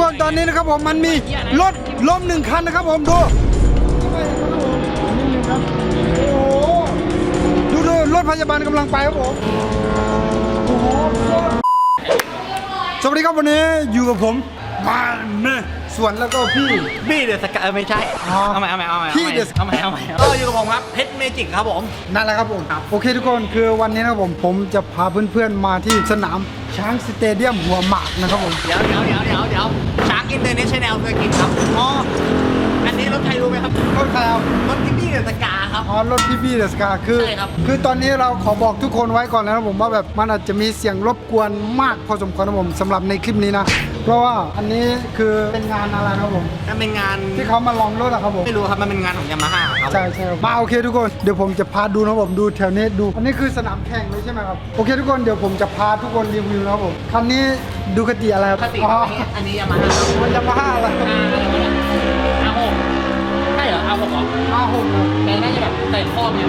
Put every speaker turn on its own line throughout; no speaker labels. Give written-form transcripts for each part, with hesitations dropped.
คนตอนนี้นะครับผมมันมีรถล้ม1 คันนะครับผมดูดูรถพยาบาลกำลังไปครับผมสวัสดีครับวันนี้อยู่กับผมมาเนี่ยส่วนแล้วก็พี่
บี้เดอะสกาไม่ใช่เอาใหม่พี่เดอะเอาใหม่ก็อยู่กับผมครับเพชรเมจิกครับผม
นั่นแหละครับผมโอเคทุกคนคือวันนี้นะครับผมจะพาเพื่อนๆมาที่สนามช้างสเตเดียมหัวหมากนะครับผม
เดี๋ยวช้างอินเตอร์เนชั่นแนลเซอร์กิตครับอ๋ออันนี้รถใครรู้ไหมครับ
รถใครครับ
รถพี่บี้เดอะสกาครับ
อ๋อรถพี่บี้เดอะสกาคือตอนนี้เราขอบอกทุกคนไว้ก่อนนะครับผมว่าแบบมันอาจจะมีเสียงรบกวนมากพอสมควรนะผมสำหรับในคลิปนี้นะเพราะว่าอันนี้คือเป็นงานอะไรนะครับผม
มันเป็นงาน
ที่เขามาลองรถอะครับผม
ไม่รู้ครับมันเป็นงานของยามาฮ่าครับ
ใช่มาโอเคทุกคนเดี๋ยวผมจะพาดูนะผมดูแถวนี้ดูอันนี้คือสนามแข่งเลยใช่ไหมครับโอเคทุกคนเดี๋ยวผมจะพาทุกคนรีวิวนะครับผมคันนี้ดูคติอะไรครับ
คติอันนี้ยามาฮ่า
มันยามาฮ่าอะไร
R6ใช่เหรอ R6 เหรอ
R6
แต่น่าจะแบบใส่ข้อเนี่ย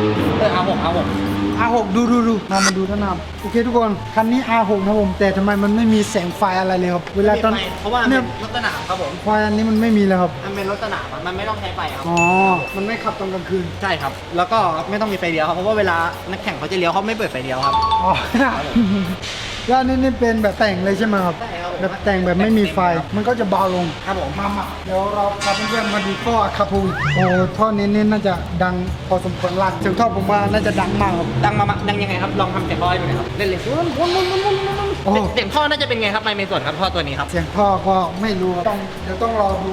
R6 ดูมาดูด้านหน้าโอเคทุกคนคันนี้ R6 นะผมแต่ทำไมมันไม่มีแสงไฟอะไรเลยครับเวลาตอน
เพราะว่าเนี่ยรถสนามครับผม
ไฟอันนี้มันไม่มีเลยครับ
มันเป็นรถสนามมันไม่ต้องใช้ไฟครับ
อ๋อมันไม่ขับตอนกลางคืน
ใช่ครับแล้วก็ไม่ต้องมีไฟเลี้ยวครับเพราะว่าเวลานักแข่งเขาจะเลี้ยวเขาไม่เปิดไฟเลี้ยวครับ
อ๋อแล้วนี่เป็นแบบแต่งเลยใช่ไหมครับแบบแต่งแบบไม่มีไฟมันก็จะเบาลง
ครับผม
มาเดี๋ยวเราพาเพื่อนๆมาดูท่อคาพูโอ้ท่อนี้น่าจะดังพอสมควรลั่นเสียงท่อผมว่าน่าจะดังมากครับ
ดังยังไงครับลองทำเสียงท่อให้ดูหน่อยครับเล่นๆเสียงท่อน่าจะเป็นไงครับในส่วนครับท่อตัวนี้ครับ
เสียงท่อก็ไม่รู้เดี๋ยวต้องรอดู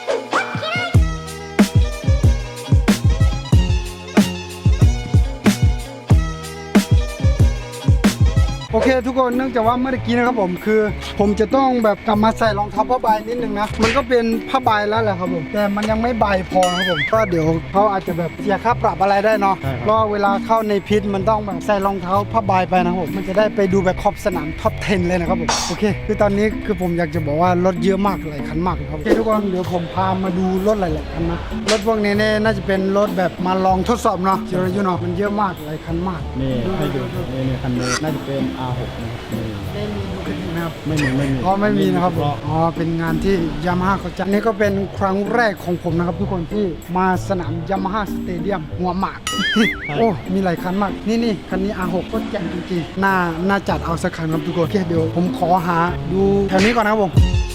โอเคทุกคนเนื่องจากว่าเมื่อกี้นะครับผมคือผมจะต้องแบบกลับมาใส่รองเท้าผ้าใบนิดนึงนะมันก็เป็นผ้าใบแล้วแหละครับผมแต่มันยังไม่ใบพอครับผมก็เดี๋ยวเขาอาจจะแบบเสียค่าปรับอะไรได้เนาะเพราะเวลาเข้าในพิษมันต้องแบบใส่รองเท้าผ้าใบไปนะครับผมมันจะได้ไปดูแบบขอบสนามท็อป 10เลยนะครับผมโอเคคือตอนนี้คือผมอยากจะบอกว่ารถเยอะมากหลายคันมากครับโอเคทุกคนเดี๋ยวผมพามาดูรถหลายๆคันนะรถพวกนี้เนี่ยน่าจะเป็นรถแบบมาลองทดสอบเนาะอยู่เนาะมันเยอะมากหลายคันมาก
นี่ให้ดูนี่คันนี้น่าจะเป็น R6
ไม่มีดูคดีนะครับ
ไม่มี
ไม่มีนะครับอ๋อเป็นงานที่ยามาฮ่าเขาจัดนี่ก็เป็นครั้งแรกของผมนะครับทุกคนที่มาสนามยามาฮ่าสเตเดียมหัวหมากโอ้มีหลายคันมากนี่คันนี้ R6 ก็แจ่มจริงๆน่าจัดเอาสักคันครับทุกคนโอเคเดี๋ยวผมขอหาดูแถวนี้ก่อนนะครับผม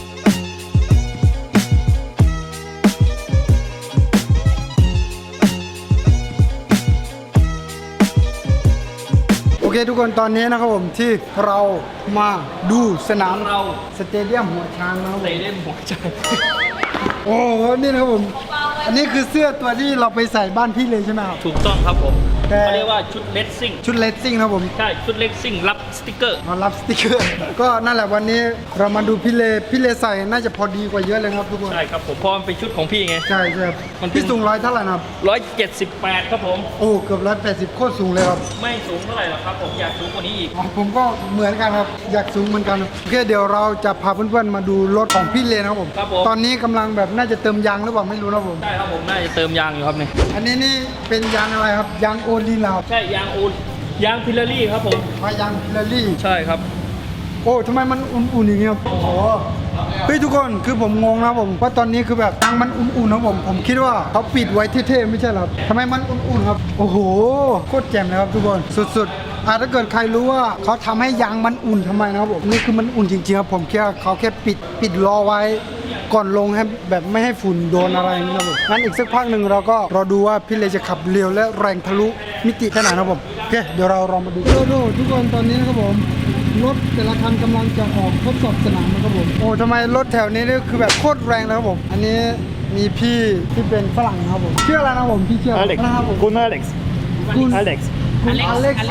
โอเคทุกคนตอนนี้นะครับผมที่เรามาดูสนามสเตเดียมหัวช้างนะครับสเตเดียมหัวช้างโอ้นี่นะครับผมอันนี้คือเสื้อตัวที่เราไปใส่บ้านพี่เลยใช่ไหมครับ
ถูกต้องครับผมเขาเรียกว่าชุดเลสซิ่ง
นะครับผม
ใช่ชุดเลสซิ่งรับสติกเกอร์
รับสติกเกอร์ก็นั่นแหละวันนี้เรามาดูพี่เลใส่น่าจะพอดีกว่าเยอะเลยครับทุกคน
ใช่ครับผมเพราะมันเป็นชุดของพี่ไง
ใช่พี่สูง100เท่าไหร่ครับ
178ครับผม
โอ้เกือบ180โคตรสูงเลยครับ
ไม่สูงเท่าไหร่หรอกครับผมอยากสูงกว่านี้อีก
ผมก็เหมือนกันครับอยากสูงเหมือนกันโอเคเดี๋ยวเราจะพาเพื่อนๆมาดูรถของพี่เลนะครับผมตอนนี้กำลังแบบน่าจะเติมยางหรือเปล่าไม่รู้นะผม
ใช่ครับผมน่าจะเติมยางอยู่ครับเนี่ย
อันนี้นี่เป็นยางอะไรครับยางโอลีนครับ
ใช่ยางพิลลารี่ครับผม
ยางพิลลารี่
ใช่ครับ
โอ้ทำไมมันอุ่นๆอย่างเงี้ยโอ้โหเฮ้ยทุกคนคือผมงงนะผมว่าตอนนี้คือแบบยางมันอุ่นๆนะผมคิดว่าเขาปิดไว้เท่ๆไม่ใช่หรอทำไมมันอุ่นๆครับโอ้โหโคตรแจ่มเลยครับทุกคนสุดๆถ้าเกิดใครรู้ว่าเขาทำให้ยางมันอุ่นทำไมนะครับผมนี่คือมันอุ่นจริงๆครับผมแค่เขาแค่ปิดรอไว้ก่อนลงให้แบบไม่ให้ฝุ่นโดนอะไรนะครับผมงั้นอีกสักพักหนึ่งเราก็รอดูว่าพี่เลจะขับเร็วและแรงทะลุมิติขนาดนะครับผมโอเคเดี๋ยวเราลองมาดูทุกคนตอนนี้นะครับผมรถแต่ละคันกำลังจะออกทดสอบสนามนะครับผมโอ้ทำไมรถแถวนี้นี่คือแบบโคตรแรงนะครับผมอันนี้มีพี่ที่เป็นฝรั่งนะครับผมชื่ออะไรนะผมพี่ชื่ออะไรนะครับผม
คุณอเล็กซ์
อ๋ออเล็กซ์โอ้อเล็ก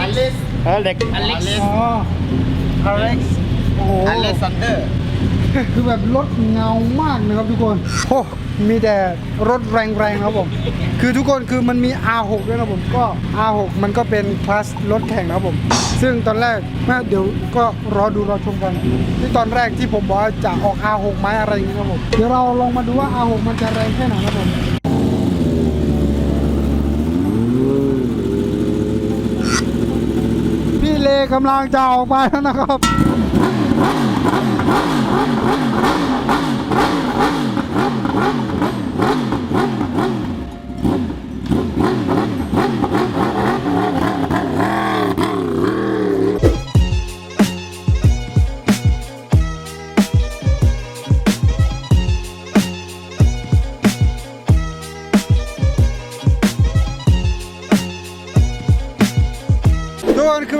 ซานเดอร์
คือแบบรถเงามากนะครับทุกคนโอ้มีแต่รถแรงๆครับผมคือทุกคนคือมันมี R6 ด้วยนะผมก็ R6 มันก็เป็นคลาสรถแข่งนะครับผมซึ่งตอนแรกเดี๋ยวก็รอชมกันที่ตอนแรกที่ผมบอกว่าจะออก R6 ไหมอะไรอย่างนี้ครับผมเดี๋ยวเราลองมาดูว่า R6 มันจะแรงแค่ไหนครับผมพี่เลกำลังจะออกไปแล้วนะครับ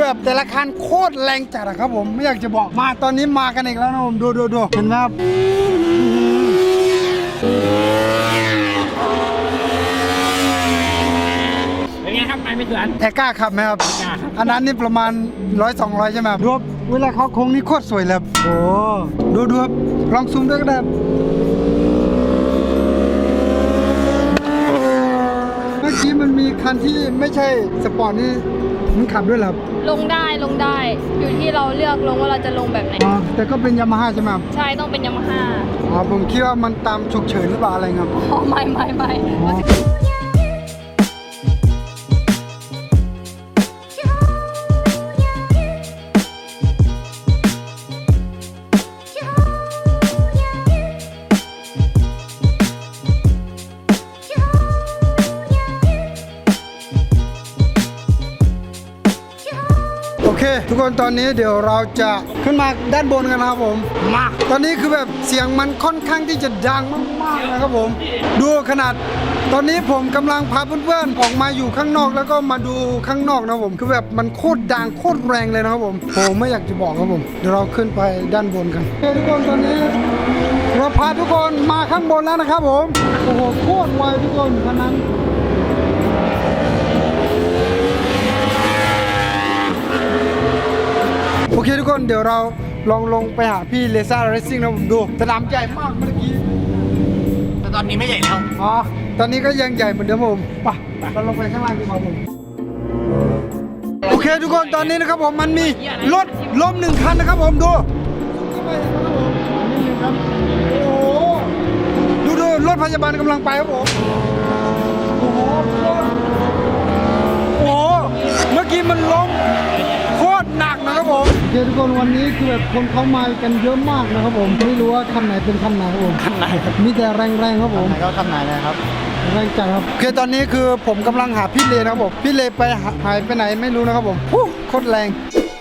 แบบแต่ละคันโคตรแรงจัดอะครับผมไม่อยากจะบอกมาตอนนี้มากันอีกแล้วนะผมดูเห็นไหมครับ
เป็นไงครับไปไม่เถื่อน
แต่กล้าขับไหมครับ
กล้าครับ
อันนั้นนี่ประมาณ100-200ใช่ไหมครับดูครับเวลาเขาโค้งนี่โคตรสวยเลยครับโอ้ดูครับลองซูมด้วยก็ได้ครับเมื่อกี้มันมีคันที่ไม่ใช่สปอร์ตนี่มันขับด้วยเหรอครับ
ลงได้อยู่ที่เราเลือกลงว่าเราจะลงแบบไหน
อ๋อแต่ก็เป็นยามาฮ่าใช่ไหมครับ
ใช่ต้องเป็นยามาฮ่า
อ๋อผมคิดว่ามันตามฉุกเฉินหรือเปล่าอะไรครับ
อ๋อไม่
โอเค ทุกคนตอนนี้เดี๋ยวเราจะขึ้นมาด้านบนกันนะครับผมมาตอนนี้คือแบบเสียงมันค่อนข้างที่จะดังมากๆนะครับผมดูขนาดตอนนี้ผมกำลังพาเพื่อนๆออกมาอยู่ข้างนอกแล้วก็มาดูข้างนอกนะครับผมคือแบบมันโคตรดังโคตรแรงเลยนะครับผมผมไม่อยากจะบอกครับผมเดี๋ยวเราขึ้นไปด้านบนกันโอเคทุกคนตอนนี้เราพาทุกคนมาข้างบนแล้วนะครับผมโอ้โหโคตรไวทุกคนคันนั้น โอเคทุกคนเดี๋ยวเราลองลงไปหาพี่เลซ่าเรซซิ่งนะผมดูสนามใหญ่มากเมื่อกี้
แต่ตอนนี้ไม่ใหญ่แล้ว
อ๋อตอนนี้ก็ยังใหญ่เหมือนเดิมผมไปเราลงไปข้างล่างดีกว่าผมโอเคทุกคนตอนนี้นะครับผมมันมีรถล้มหนึ่งคันนะครับผมดูเข้าไปนะครับผมนี่หนึ่งครับโอ้โหดูรถพยาบาลกำลังไปครับผมโอ้โหโอ้โหเมื่อกี้มันล้มโคตรหนักนะครับผมโอเคทุกคนวันนี้คือแบบคนเขามากันเยอะมากนะครับผมไม่รู้ว่าคันไหนเป็นคันไหนครับผมคันไหนมีแต่แรงๆครับผม
ไหนก็ทำไหนนะครับ
แรงจังครับโอเคตอนนี้คือผมกำลังหาพี่เลนะครับผมพี่เลไปหายไปไหนไม่รู้นะครับผมฮู้โคตรแรง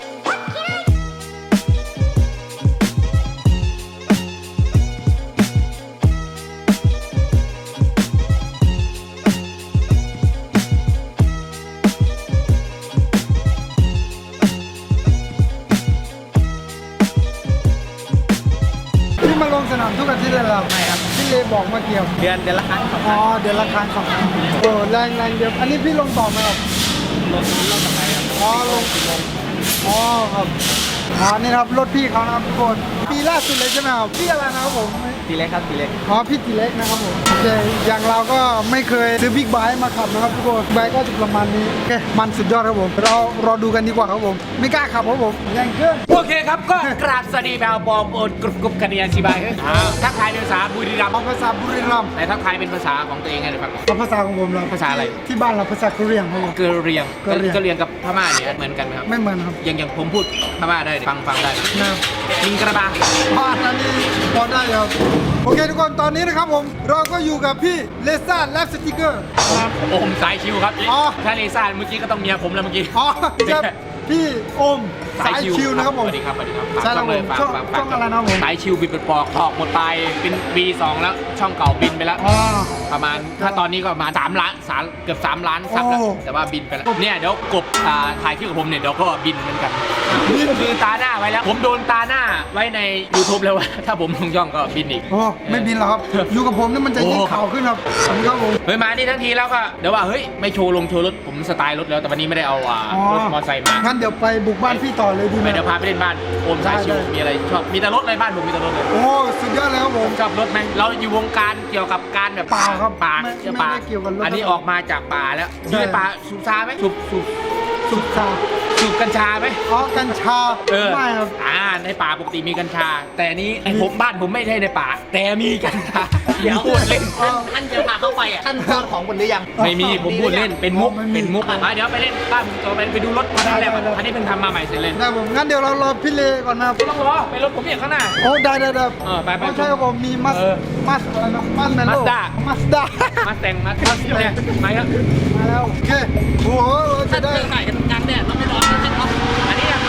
พี่มาลงสนามทุกอาทิตย์เลยเหรอไม่ครับพี่เลบอกมาเกี่ยว
เดือนละครั้งสอง
อ๋อเดือนละครั้งสองครั้งโอ้แรงเดียวอันนี้พี่ลงต่อไหมครับ
รถต่อไปครับ
อ๋อลงอ๋อครับอ๋อนี่นะครับรถพี่เขานะครับทุกคนปีล่าสุดเลยใช่ไหมครับพี่อะไรนะครับผม
ทีเล็กครับทีเล็ก
อ๋อพี่ตีเล็กนะครับผมโอเคอย่างเราก็ไม่เคยซื้อบิ๊กไบค์มาขับนะครับทุกคนไบค์ก็จะประมาณนี้โอเคมันสุดยอดครับผมเรารอดูกันดีกว่าครับผมไม่กล้าขับครับผมแรงเกิน
โอเคครับก็กราบสวัสดีแบลบอมโอนกรุบกันเนียนชีบายทักทายเป็นภาษาบุรีรัมย์
เอาภาษาบุรีรัมย์
แต่ทักทายเป็นภาษาของตัวเองไงเดี๋ยวฟัง
เอาภาษาของผมเรา
ภาษาอะไร
ที่บ้านเราภาษาเกาหลีครับผม
เกอเรียง
เกอเรียง
เกอเรียงกับพม่าเนี่ยเหมือนกันไหมครับ
ไม่เหมือนครับ
อย่างผมพูดพม่าได้ฟังได้
นะ
ลิงกระบา
บ้านนั้นนี่พอได้ครับโอเคทุกคนตอนนี้นะครับผมเราก็อยู่กับพี่เลซ่าแลบสติกเกอร์
โอมสายชิวครับ
อ๋อ
ถ้าเลซ่าเมื่อกี้ก็ต้องเมียผมแล้วเมื่อกี้
อ๋อจะพี่โอมสายชิวนะครับผม
สวัสดีครับสวัสดีครับ
ใช่ครับผม
ฝาก
ช่อง
ฝาก
ช่องอะไรนะผม
สายชิวบินเป็นปอกออกหมดไปเป็น B2 แล้วช่องเก่าบินไปแล้ว
อ๋อ
ประมาณถ้าตอนนี้ก็ประมาณ3ล้านเกือบ3ล้านซับแล้ว
โอ้
แต่ว่าบินไปแล้วเนี่ยเดี๋ยวกบถ่ายคลิปกับผมเนี่ยเดี๋ยวก็บินเหมือนกันคือตาหน้าไว้แล้ว ผมโดนตาหน้าไว้ใน YouTube แล้วว่าถ้าผมลงย่องก็บินอีก
โอ้ไม่บินหรอกครับ อยู่กับผมนี่มันจะยิ่งข่าวขึ้นครับผมครับผม
เฮ้ยมานี่ทั้งทีแล้วก็เดี๋ยวว่าเฮ้ยไม่โชว์ลงโชว์รถผมสไตล์รถแล้วแต่วันนี้ไม่ได้เอารถมอเตอร์ไซค์มา
งั้นเดี๋ยวไปบุกบ้านพี่ต่อเลยดีไหม
เดี๋ยวพาไปเล่นบ้านโอมสายชิว
ได้
มีอะไรชอบมีแต่รถเลยบ้านผมมีแต่รถเลย
โอ้สุดยอดเลยครับผม
ชอบรถไหมเราอยู่วงการเกี่ยวกับการแบบ
ป่าครับ
ป่า
ไม่
เกี่ยวป่า
ไม่เกี่ยวกับรถ
อันนี้ออกมาจากป่าแล้ว
ใช่
อยู่ในป่าสูบซาไหมสูบ
สุดชา
กัญชาไหม
อ๋อกัญชา
เออ
ไม่ครับ
ในป่าปกติมีกัญชา แต่อันนี้ผมบ้านผมไม่ใช่ในป่า แต่มีกัญชาเดี๋ยวพูดเล่น
ท่านจะพาเข้าไปอ่ะท่านทราบของบนหรือยัง
ไม่มีผมพูดเล่นเป็นมุก
ไม่มี
เป็นมุกเดี๋ยวไปเล่นบ้านผมต่อไปดูรถคันแรก
ได้
อันนี้เพิ่งทำมาใหม่เสร็จเลย
ได้ผมงั้นเดี๋ยวเรารอพี่เลก่อนนะครับ
ต้องรอไปรถผมอย่างข้างหน้า
โอ้ได้
ไป
ไม่ใช่ครับผมมีมัส
เออ
มัสอะไรนะมัสแมนโล
Mazda
มัสด้า
มาแต่งมาเนี่ยมาครับ
มาแล้วโอเคโอ้โหเราจะได้
ถ่ายกันกลางแดดเราไม่ร้อนนะท่านครับอันนี้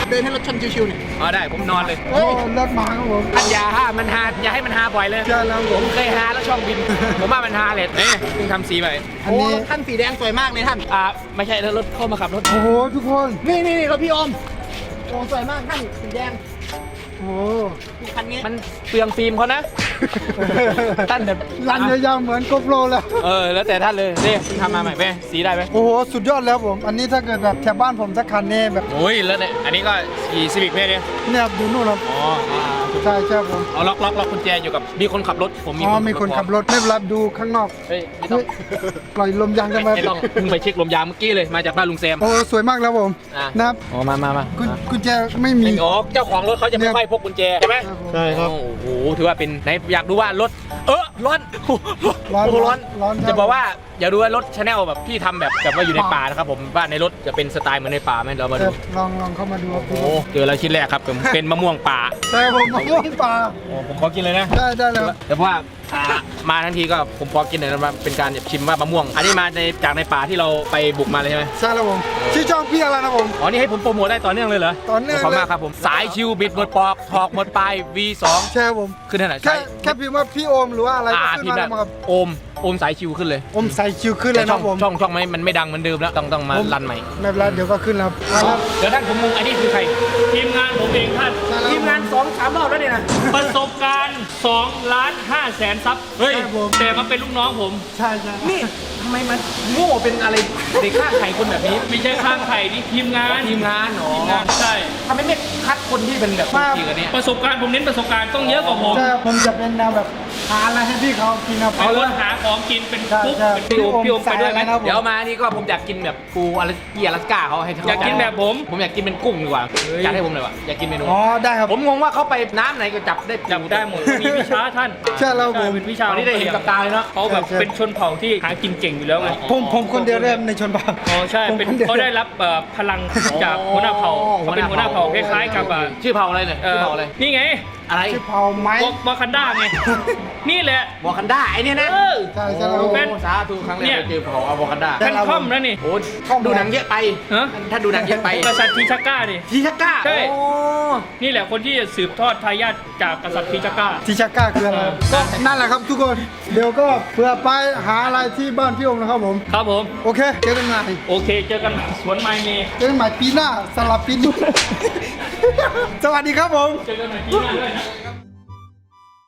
เดินให้รถชนชิวๆเนี่ยอ๋อได้ผมนอนเลย
โอ้รถมาครับผม
ท่านอย่าห้ามันฮาอย่าให้มันฮาบ่อยเลย
ใช่แล้วผม
ผมเคยฮาแล้วช่องบิน ผมว่ามันฮาเลยเอ๊ะเพิ่งทำสีไป
อันนี้
ท่านสีแดงสวยมากเลยท่านไม่ใช่แล้วรถเข้ามาขับรถ
โอ้โหทุกคน
นี่รถพี่โอมสวยมากท่านสีแดง
โอ้โห
คันนี้มันเปลืองฟิล์มเขานะ ท่านแบบ
รันยาวๆเหมือนโกโปรแล้ว
แล้วแต่ท่านเลยนี่ทำมาใหม่ไหมสีได้ไหม
โอ้โหสุดยอดแล้วผม อันนี้ถ้าเกิดแบบแถวบ้านผมสักคันนี่แบบ
โอ้ยแล้วเนี่ยอันนี้ก็ขี่ซีวิกเนี่ย
เนี่ยดูนู่นครับ
อ๋อ
ใช่ใช่ผม
เอาล็อกกุญแจอยู่กับมีคนขับรถผมมี
อ๋อมีคนขับรถไม่เป็นไรดูข้างนอก
เฮ้ยไม่ต้อง
ปล่อยลมยางกันมา
ไม่ต้องเพิ่งไปเช็คลมยางเมื่อกี้เลยมาจากบ้านลุงแซม
โอ้สวยมากแล้วผม
อ่ะ
นะครับ
อ๋อมา
กุญแจไม่มี
อ๋อเจ้าของรถเขาจะไม่ค่อยพกกุญแจใช่ไหม
ใช่ครับ
โอ้โหถือว่าเป็นไหนอยากดูว่ารถร้อน
ร้อน
โอ้โหร้อน
ร้อน
จะบอกว่าอย่าดูว่ารถชาแนลแบบที่ทำแบบว่าอยู่ในป่านะครับผมว่าในรถจะเป็นสไตล์เหมือนในป่าไหมเรามา
เอ
ดู
อลองเข้ามาดูครับ
โอ้โหเจอแล้วชิ้นแรกครับผมเป็นมะม่วงป่า
ใช่ผมมะม่วงป่า
โอ้ผมขอกินเลยนะ
ได้แล้ว
แต่ว่ามาทั้งทีก็ผมพอกินเลยนะว่าเป็นการชิมว่ามะม่วง อันนี้มาจากในป่าที่เราไปบุกมาเลยใช่ไหม
ใช่แล้วผมชื่อช่องพี่อะไรนะผม
อ๋อนี่ให้ผมโปรโมทได้ต่อเนื่องเลยเหรอ
ต่อเนื่อง
ขอบคุณ
เลย
มากครับผมสายชิวบิดหมดปอกถอกหมดปลาย V2
ใช่ครับผม
ขึ้นที่ไหน
แค่พิมพ์ว่าพี่โอมหรือว่าอะไรก็ขึ้น
พิม
มา
พ์
แล้
ได้
วครับ
โอมสายชิวขึ้นเลย
อมใส่คิวขึ้นเลย
ช่
นะ
อง
ผม
ช่องมันไม่ดังเหมือนเดิมแล้วต้องมารันใหม่
ไม่เป็นไรเดี๋ยวก็ขึ้นแล้วครับ
เดี๋ยวท่านผมงงอันนี้คือใคร
ทีมงานผมเองท่าน
ทีมงาน 2-3 รอบแล้วเนี่ยนะ
ประสบการณ์2,500,000ซับ
เฮ้ย
แต่มาเป็นลูกน้องผม
ใช่ใช่
นี่ทำไมมันโง่เป็นอะไรเด็กข้างไข่คนแบบนี้
ไม่ใช่ข้างไข่นี่ทีมงาน
ทีมงานหรอ
ทีมงานใช่
ทำไมไม่คัดคนที่เป็นแบบจริงกันเนี่ย
ประสบการณ์ผมเน้นประสบการณ์ต้องเยอะกว่าผม
ใช่ครับผมจะเป็นแนวแบบหาอะไรให้พี่เขากินครับ
เป็นคนหาของกินเป็น
ใช่
ปุ๊บ
ใช่
เป็นพี่โอมไปด้วยไหม
ใส่อะไรนะ
เดี๋ยวมานี่ก็ผมอยากกินแบบปูอะไรที่อลาสก้าเขาให้
อยากกินแบบผม
ผมอยากกินเป็นกุ้งดีกว่าอยากให้ผมเลยว่ะอยากกินเมนู
อ๋อได้ครับ
ผมงงว่าเขาไปน้ำไหนก็จับได้
จับได้หมดมีวิชาท่าน
ใช่แล้วผม
เป็นวิชา
วันนี้ได้เห็นกับตาเลยเนาะ
เขาแบบเป็นชนเผ่าที่หากินเก่งอยู่แล้วไง
ผมคนเดียวเริ่มในชนเผ่า
อ๋อใช่เป็น
ผมคนเดียว
เขาได้รับพลังจากหัวหน้าเผ่าเขาเป็นหัวหน้าเผ่าคล้ายๆกับ
ชื่อเผ่าอะไรเนี่ยชื่อเผ่าอะไร
นี่ไง
อะไร
ชื่อเผ่าไม้
วากันด้าไง นี่แหละ
วอกันด้าไอเนี่ยนะ
เออ
ใช่ใช่แล้ว
โอ้
ผม
เป็น
สาธุครั้งแร
เนี่
ก
ย
เจอเผ่าอวกันด้า
ใช่
แพนคอมนะนี่
โอ้ดูหนังเยอะไป
ฮะ
ถ้าดูหนังเยอะไป
กษัตริย์ทีชักก้านี่
ทีชักก้า
ใช่
โอ้
นี่แหละคนที่จะสืบทอดทายาทจากกษัตริย์ทีชักก้า
ทิชาก้าคืออะไรก็นั่นแหละครับทุกคน เดี๋ยวก็เผื่อไปหาอะไรที่บ้านพี่โอมนะครับผม
ครับผม
โอเคเจอกันใหม่
โอเคเจอกันสวนไมเม
เจอกันใหม่ปีหน้าสลับปีนี้ สวัสดีครับผม
เจอกันใหม่ปีหน้าด้วยนะ